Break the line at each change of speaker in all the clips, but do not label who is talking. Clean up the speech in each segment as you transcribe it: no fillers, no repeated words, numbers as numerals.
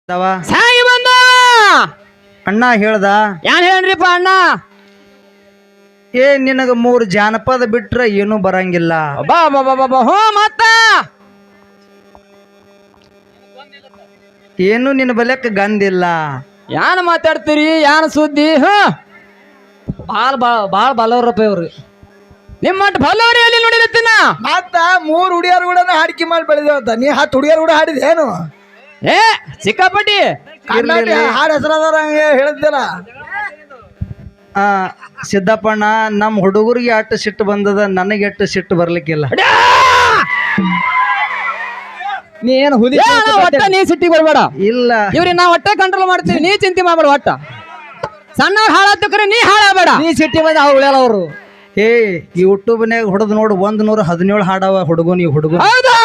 ಸಾಗಿ ಬಂದ
ಅಣ್ಣ ಹೇಳ್ದ
ಏನ್ ಹೇಳ್ರಿಪ್ಪ ಅಣ್ಣ
ನಿನಗ 3 ಜಾನಪದ ಬಿಟ್ರ ಏನು ಬರಂಗಿಲ್ಲ.
ಬಾ ಬಾ ಬಾ ಬಾ ಹೋ ಮತ್ತ
ಏನು ನಿನ್ನ ಬಲ್ಯಕ್ಕ ಗಂದಿಲ್ಲ.
ಯಾನ್ ಮಾತಾಡ್ತೀರಿ ಯಾನ್ ಸುದ್ದಿ
ಬಾಳ ಬಲವ್ರಪ್ಪ ಇವ್ರು
ನಿಮ್ಮಟ್ ಬಲ್ಲವ್ರಿ ಅಲ್ಲಿ ನೋಡಿರತ್ತೀನ
ಮತ್ತ 3 ಹುಡಿಯರು ಕೂಡ ಹಾಡಿಕೆ ಮಾಡಿ ಬೆಳೆದೇವಂತ ನೀ 10 ಹುಡಿಯರು ಕೂಡ ಹಾಡಿದೇನು
ಏ ಸಿಕ್ಕಾಪಟ್ಟಿ
ಹಾಡು ಹೆಸರಾದವ್ರ ಹೇಳಿದ್ದಲ್ಲ.
ಸಿದ್ದಪ್ಪಣ್ಣ ನಮ್ಮ ಹುಡುಗರಿಗೆ ಅಟ್ಟು ಸಿಟ್ಟು ಬಂದದ, ನನಗೆ ಅಟ್ಟು ಸಿಟ್ಟು ಬರ್ಲಿಕ್ಕಿಲ್ಲ.
ನೀ ಏನು ಹುಲಿ
ಒಟ್ಟ ನೀ ಸಿಟ್ಟಿಗೆ ಬರ್ಬೇಡ.
ಇಲ್ಲ
ಇವ್ರಿಗೆ ನಾ ಒಟ್ಟ ಕಂಟ್ರೋಲ್ ಮಾಡ್ತೀವಿ, ನೀ ಚಿಂತೆ ಮಾಡ್ಬೇಡ. ಒಟ್ಟ ಸಣ್ಣವ್ರು ಹಾಳಾಗ್ತಕ್ರೆ ನೀ ಹಾಳಾಗಬೇಡ.
ನೀ ಸಿಟ್ಟಿ ಬಂದ ಉಳ್ಯಾಲ ಅವರು
ಯೂಟ್ಯೂಬ್ನಾಗ ಹೊಡೆದ್ ನೋಡು 117 ಹಾಡವ ಹುಡುಗನ್. ಈ ಹುಡುಗ
ಹೌದಾ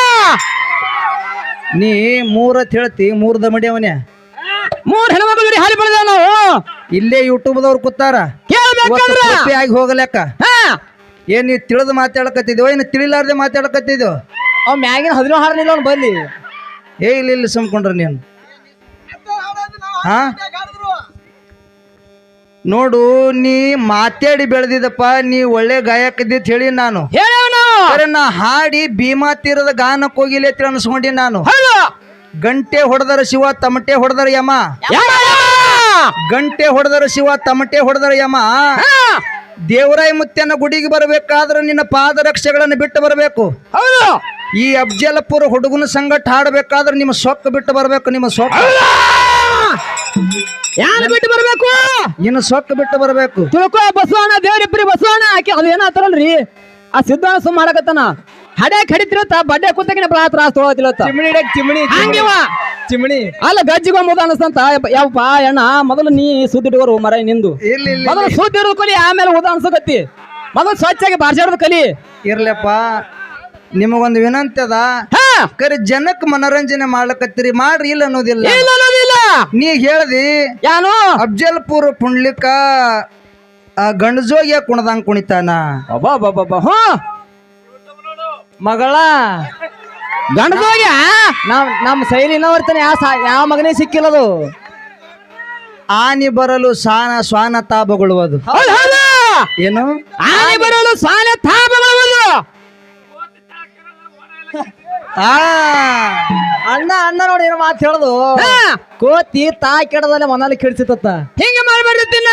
ನೀ 3 ಅಂತ ಹೇಳ್ತಿ, 3 ದಮಡಿ ಅವನೇ.
3 ಹೆಣ್ಮಕ್ಳು ಹಾಲಿ ಬೆಳೆದೇವ್ ನಾವು.
ಇಲ್ಲೇ ಯೂಟ್ಯೂಬ್ದವ್ರು ಕೂತಾರ
ಕೇಳ್ಬೇಕಂದ್ರ
ಆಗಿ ಹೋಗಲೆಕ್ಕ. ಏನ್ ನೀ ತಿಳಿದು ಮಾತಾಡಕತ್ತಿದ್ಯೋ ಏನು ತಿಳಿಲಾರ್ದೆ ಮಾತಾಡಕತ್ತಿದ್ಯೋ?
ಅವ್ ಮ್ಯಾಗಿನ 17 ಹಾಡಲಿಲ್ಲ ಅವ್ನು ಬಲ್ಲಿ.
ಇಲ್ಲ ಸುಮ್ಕೊಂಡ್ರ ನೀನು. ನೋಡು ನೀ ಮಾತಾಡಿ ಬೆಳೆದಿದ್ದಪ್ಪ, ನೀ ಒಳ್ಳೆ ಗಾಯಕ ಇದ್ದಿತ್ ಹೇಳಿ ನಾನು. ನಾ ಹಾಡಿ ಭೀಮಾ ತೀರದ ಗಾನಕ್ಕೆ ಹೋಗಿಲ್ಲ ಅಂತ ಅನ್ಸ್ಕೊಂಡಿ ನಾನು. ಗಂಟೆ ಹೊಡೆದರ ಶಿವ ತಮಟೆ ಹೊಡೆದರ ಯಮ, ಗಂಟೆ ಹೊಡೆದರ ಶಿವ ತಮಟೆ ಹೊಡೆದರ ಯಮ. ದೇವರಾಯ ಮುತ್ಯನ ಗುಡಿಗೆ ಬರಬೇಕಾದ್ರೆ ನಿನ್ನ ಪಾದರಕ್ಷೆಗಳನ್ನು ಬಿಟ್ಟು ಬರಬೇಕು. ಈ ಅಫ್ಜಲಪುರ ಹುಡುಗನ ಸಂಗಟ ಹಾಡಬೇಕಾದ್ರೆ ನಿಮ್ಮ ಸೊಕ್ಕ ಬಿಟ್ಟು ಬರಬೇಕು. ನಿಮ್ಮ ಸೊಕ್ಕ
ಯಾರು ಬಿಟ್ಟು ಬರ್ಬೇಕು?
ಇನ್ನು ಸೊಕ್ಕ ಬಿಟ್ಟು ಬರಬೇಕು.
ತಿಳ್ಕೊ ಬಸವಣ್ಣ ದೇವ್ರಿಬ್ರಿ ಬಸವಣ್ಣ ಹಾಕಿ ಅದು ಏನಾತಾರಲ್ರಿ ಆ ಸಿದ್ಧಾಣ ಸುಮ್ ಮಾಡಕತ್ತಾನ. ಹಡ್ಯಾಕ್ ಹಡಿತಿರತ್ತ ಬಡ್ಡೆ ಕೂತಕಿನ ತ್ರಾಸ ತೊಳತಿಲತ್ತ
ಚಿಮಣಿ
ಅಲ್ಲ ಗಜ್ಜಿಗೊಂಬುದ ಅನಸ್ತಂತ. ಯಾವಪ್ಪ ಅಣ್ಣ ಮೊದಲು ನೀ ಸುದ್ದಿಟ್ಕೋರು ಮರ ನಿಂದು. ಮೊದಲು ಸುದ್ದಿ ಇರೋದು ಕಲಿ, ಆಮೇಲೆ ಉದ ಅನ್ಸಕತ್ತಿ. ಮೊದಲು ಸ್ವಚ್ಛಾಗಿ ಬಾರ್ಸಾಡೋದು ಕಲಿ.
ಇರ್ಲಪ್ಪ, ನಿಮಗೊಂದು ವಿನಂತಿ ಅದ. ಕರೆ ಜನಕ್ಕೆ ಮನೋರಂಜನೆ ಮಾಡ್ಲಕತ್ತೀರಿ, ಮಾಡ್ರಿ. ಇಲ್ಲ ಅನ್ನೋದಿಲ್ಲ. ನೀ ಹೇಳ್ದಿ
ಯಾನು
ಅಫ್ಜಲ್ಪುರ್ ಪುಂಡ್ಲಿಕ ಗಂಡಜೋಗಿಯ ಕುಣದಂಗ್ ಕುಣಿತಾನ.
ಮಗಳ
ಗಂಡಜೋಗಿ
ನಮ್ಮ ಶೈಲಿನ ಬರ್ತಾನೆ. ಯಾವ ಮಗನೇ ಸಿಕ್ಕಿಲ್ಲದು.
ಆನಿ ಬರಲು ಸ್ವಾನ ತಾಪಗೊಳ್ಳುವುದು. ಏನು
ಆನಿ ಬರಲು ಸ್ವಾನ ತಾಪಗೊಳ್ಳುವುದು.
ಅಣ್ಣ ನೋಡಿ ಏನೋ ಮಾತು ಹೇಳುದು. ಕೋತಿ ತಾ ಕೆಡದಲ್ಲೇ ಮನಲ್ಲಿ ಕೆಡ್ಸಿತ್ತ.
ಹಿಂಗ ಮಾಡ್ಬೇಡ್ತಿನ್ನ.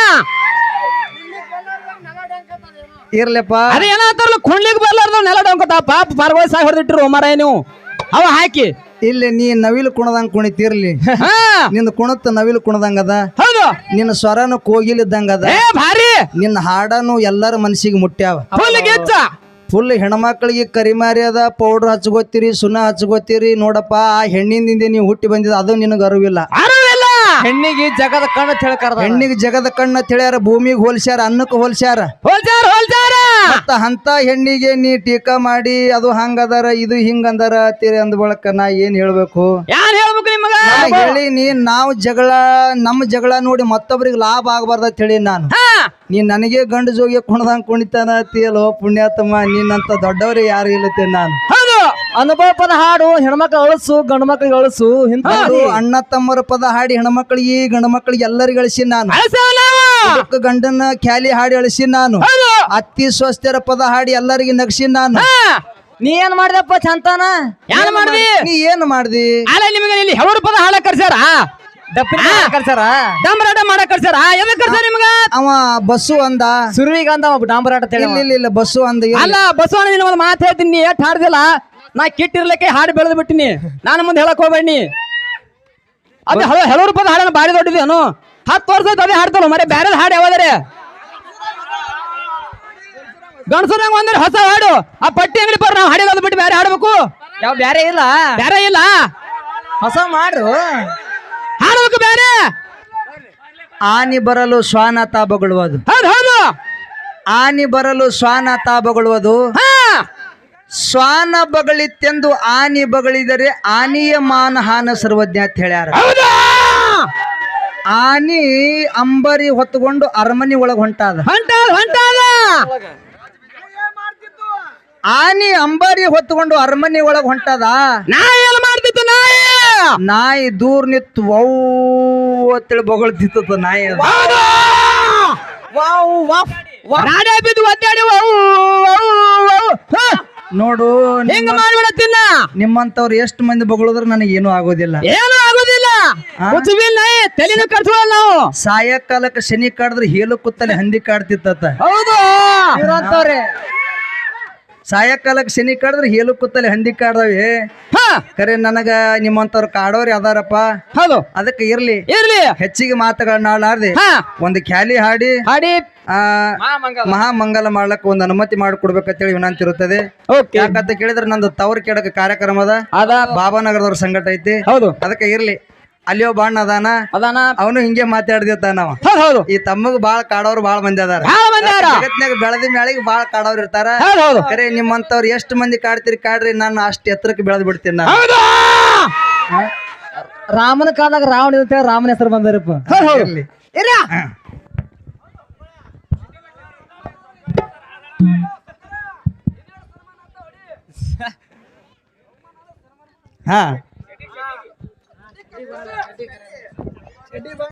ಇರ್ಲಪ್ಪ,
ಅದೇ ಏನಾತಾರಲ್ಲ ಕೊಂಡ್ಲಿಕ್ಕೆ ಬರ್ಲಾರ್ದ ನೆಲ ಡೊಂಕತ ಪಾಪ ಪಾರ್ಗೋಯ್ ಸಾಗಿ ಹೊಡೆದಿಟ್ರು ಮರ ನೀವು ಅವ ಹಾಕಿ.
ಇಲ್ಲಿ ನೀ ನವಿಲು ಕುಣದಂಗ್ ಕುಣಿತಿರ್ಲಿ, ನಿನ್ನ ಕುಣತ್ ನವಿಲು ಕುಣದಂಗ ಅದ.
ಹೌದು,
ನಿನ್ನ ಸ್ವರನು ಕೋಗಿಲಿದ್ದಂಗ ಅದ.
ಭಾರಿ
ನಿನ್ನ ಹಾಡನು ಎಲ್ಲರ ಮನಸ್ಸಿಗೆ ಮುಟ್ಟ್ಯಾವ. ಫುಲ್ ಹೆಣ್ಮಕ್ಳಿಗೆ ಕರಿಮಾರಿ ಅದ, ಪೌಡರ್ ಹಚ್ಕೋತೀರಿ, ಸುಣ್ಣ ಹಚ್ಕೋತೀರಿ. ನೋಡಪ್ಪ, ಆ ಹೆಣ್ಣಿನಿಂದ ನೀವು ಹುಟ್ಟಿ ಬಂದಿದ, ಅದು ನಿನಗೆ ಅರಿವಿಲ್ಲ.
ಹೆಣ್ಣಿಗೆ ಜಗದ ಕಣ್ಣು ತಿಳ್ಕರ್ದ.
ಹೆಣ್ಣಿಗೆ ಜಗದ ಕಣ್ಣ ತಿಳಿಯಾರ, ಭೂಮಿಗೆ ಹೋಲ್ಸ್ಯಾರ, ಅನ್ನಕ್ಕೆ ಹೋಲ್ಸ್ಯಾರ. ಮತ್ತ ಅಂತ ಹೆಣ್ಣಿಗೆ ನೀ ಟೀಕಾ ಮಾಡಿ ಅದು ಹಂಗದಾರ ಇದು ಹಿಂಗಂದಾರ ತೀರಿ ಅಂದ ಬಳಕ ನಾ ಏನ್ ಹೇಳ್ಬೇಕು? ಹೇಳಿ ನೀ ನಾವು ನಮ್ಮ ಜಗಳ ನೋಡಿ ಮತ್ತೊಬ್ರಿಗೆ ಲಾಭ ಆಗಬಾರ್ದ ಹೇಳಿ ನಾನು. ನೀ ನನಗೆ ಗಂಡು ಜೋಗಿ ಕುಣದಂಗ್ ಕುಣಿತಾನ ತೀಯಲೋ ಪುಣ್ಯಾತಮ್ಮ, ನೀನಂತ ದೊಡ್ಡವ್ರೆ ಯಾರು ಇಲ್ಲತ್ತೆ ನಾನು.
ಅನುಭವ ಪದ ಹಾಡು ಹೆಣ್ಮಕ್ಳು ಅಳಸು ಗಂಡು ಮಕ್ಳಿಗೆ ಅಳಸು.
ಅಣ್ಣ ತಮ್ಮರ ಪದ ಹಾಡಿ ಹೆಣ್ಮಕ್ಳಿಗೆ ಗಂಡು ಮಕ್ಳಿಗೆ ಎಲ್ಲರಿಗೂ ಅಳಿಸಿ ನಾನು. ಗಂಡನ ಖ್ಯಾಲಿ ಹಾಡಿ ಅಳಿಸಿ ನಾನು. ಅತ್ತಿ ಸ್ವಸ್ಥರ ಪದ ಹಾಡಿ ಎಲ್ಲರಿಗೆ ನಗಸಿ ನಾನು.
ನೀ ಏನ್ ಮಾಡಿದಪ್ಪ ಚಂತಾನ?
ಏನ್ ಮಾಡ್ದಿ?
ನೀ ಏನ್ ಮಾಡ್ದಿ?
ಅಲ್ಲ ನಿಮಗೆ ಇಲ್ಲಿ ಹೆವರು ಪದ ಹಾಡ ಕರ್ಸಾರ,
ಕರ್ಸಾರ,
ಡಂಬರಾಟ ಮಾಡಕ್ ಕರ್ಸಾರ. ಎದಕ್ ಕರ್ಸಾರ ನಿಮ್ಗ?
ಅವ ಬಸ್ಸು ಅಂದ,
ಸುರುವಿಗ ಅಂದ ಡಾಂಬರಾಟ.
ಇಲ್ಲ ಬಸ್ಸು ಅಂದ.
ಅಲ್ಲ ಬಸವಣ್ಣ ನಿನ್ನ ಒಂದು ಮಾತು ಹೇಳ್ತೀನಿ, ನೀ ಎಷ್ಟ್ ಹಾಡ್ದಿಲ್ಲ. ನಾ ಕಿಟ್ಟಿರ್ಲಿಕ್ಕೆ ಹಾಡು ಬೆಳೆದು ಬಿಟ್ಟಿನಿ. ನಾನು ಮುಂದೆ ಹೇಳಕ್ ಹೋಗ್ಬೇಡಿ. ಅದೇ ಹೆಳೂರು ಪದ ಹಾಡನ್ನು ಬಾರಿ ದೊಡ್ಡದೇನು. 10 ವರ್ಷ ಅದೇ ಹಾಡ್ತಾರ ಮರೆ. ಬ್ಯಾರದ ಹಾಡು ಯಾವ್ದಾರೆ ಗಣಸರಂಗ ಒಂದ್ರೆ ಹೊಸ ಹಾಡು ಆ ಪಟ್ಟಿ ಅಂಗಡಿ ಬರ್ ನಾವು ಹಾಡಿರೋದು ಬಿಟ್ಟು ಬೇರೆ ಹಾಡ್ಬೇಕು.
ಯಾವ ಬ್ಯಾರೆ ಇಲ್ಲ,
ಬೇರೆ ಇಲ್ಲ,
ಹೊಸ ಮಾಡ್ರು
ಹಾಡ್ಬೇಕು ಬೇರೆ.
ಆನಿ ಬರಲು ಶ್ವಾನ ತಾಪಗೊಳ್ಳುವುದು.
ಹೌದು,
ಆನಿ ಬರಲು ಶ್ವಾನ ತಾಪಗೊಳ್ಳುವುದು. ಶ್ವಾನ ಬಗಳಿತ್ತೆಂದು ಆನಿ ಬಗಳಿದರೆ ಆನಿಯ ಮಾನಹಾನ ಸರ್ವಜ್ಞ ಅಂತ ಹೇಳ್ಯಾರ. ಆನಿ ಅಂಬರಿ ಹೊತ್ತುಕೊಂಡು ಅರಮನೆ ಒಳಗೆ ಹೊಂಟಾದ. ಆನಿ ಅಂಬಾರಿ ಹೊತ್ತುಕೊಂಡು ಅರಮನೆ ಒಳಗೆ ಹೊಂಟದ.
ನಾ ಏನ್ ಮಾಡ್ತಿತ್ತು? ನಾಯಿ
ನಾಯಿ ದೂರ ನಿತ್ತು ವೌ ಅಂತೇಳಿ ಬೊಗಳ್ತಿತ್ತ ನಾಯಿ ಅದು.
ವಾವ್ ವಾಫ್
ರಾಡೇ ಬಿದ್ದು ಒದ್ದಾಡಿ
ನೋಡು
ಹಿಂಗ ಮಾಡ್ಬಿಡತ್ತಿನ
ನಿಮ್ಮಂತವ್ರು ಎಷ್ಟು ಮಂದಿ ಬೊಗಳಿದ್ರು ನನಗೇನು ಆಗೋದಿಲ್ಲ.
ಏನು ಆಗುದಿಲ್ಲ ಕುಚುಬಿಲ್ಲ ತಲೆನ ಕಟ್ಸೋಲ್ಲ ನಾವು.
ಸಾಯಂಕಾಲಕ್ಕೆ ಶನಿ ಕಾಡಿದ್ರೆ ಹೇಲು ಕುತ್ತಲೆ ಹಂದಿ ಕಾಡ್ತಿತ್ತ.
ಹೌದು
ಇವ್ರಂತವ್ರೆ
ಸಾಯಂಕಾಲಕ್ಕೆ ಶನಿ ಕಾಡಿದ್ರೆ ಹೇಲು ಕುತ್ತಲೆ ಹಂದಿ ಕಾಡ್ದವೆ. ಕರೆ ನನಗ ನಿಮ್ಮಂತವ್ರು ಕಾಡೋರಿ ಅದಾರಪ್ಪ.
ಹೌದು
ಅದಕ್ಕೆ ಇರ್ಲಿ
ಇರ್ಲಿ
ಹೆಚ್ಚಿಗೆ ಮಾತುಗಳನ್ನ ಆಡ್ದೆ ಒಂದು ಖ್ಯಾಲಿ ಹಾಡಿ
ಹಾಡಿ
ಮಹಾಮಂಗಲ ಮಾಡ್ಲಕ್ಕ ಒಂದು ಅನುಮತಿ ಮಾಡಿಕೊಡ್ಬೇಕಂತೇಳಿ ವಿನಂತಿ ಇರುತ್ತದೆ. ಯಾಕಂತ ಕೇಳಿದ್ರೆ ನಂದು ತವರ್ ಕೆಡಕ ಕಾರ್ಯಕ್ರಮ ಅದ ಬಾಬಾನಗರದವ್ರ ಸಂಘಟ ಐತಿ.
ಹೌದು
ಅದಕ್ಕೆ ಇರ್ಲಿ ಅಲ್ಲಿಯೋ ಬಾಣ ಅದಾನ ಅವನು ಹಿಂಗೆ ಮಾತಾಡ್ದಿತ್ತ ನಾವ.
ಹೌದು
ಈ ತಮ್ಮಗ್ ಬಾಳ ಕಾಡೋರು ಬಾಳ ಮಂದಿ ಅದಾರ. ಜಗತ್ನಾಗ ಬೆಳೆದ ಮ್ಯಾಳಿಗೆ ಬಾಳ ಕಾಡೋರು ಇರ್ತಾರ. ಕರೆ ನಿಮ್ಮಂತವ್ರು ಎಷ್ಟು ಮಂದಿ ಕಾಡ್ತೀರಿ ಕಾಡ್ರಿ, ನಾನು ಅಷ್ಟು ಎತ್ತರಕ್ಕೆ ಬೆಳೆದ್ ಬಿಡ್ತೀನಿ ನಾನು.
ರಾಮನ ಕಾಲದಾಗ ರಾವಣ ಇರುತ್ತೆ, ರಾಮನ ಹೆಸರು ಬಂದರಪ್ಪ.
ಇರ್ಲಿ. ಹಾ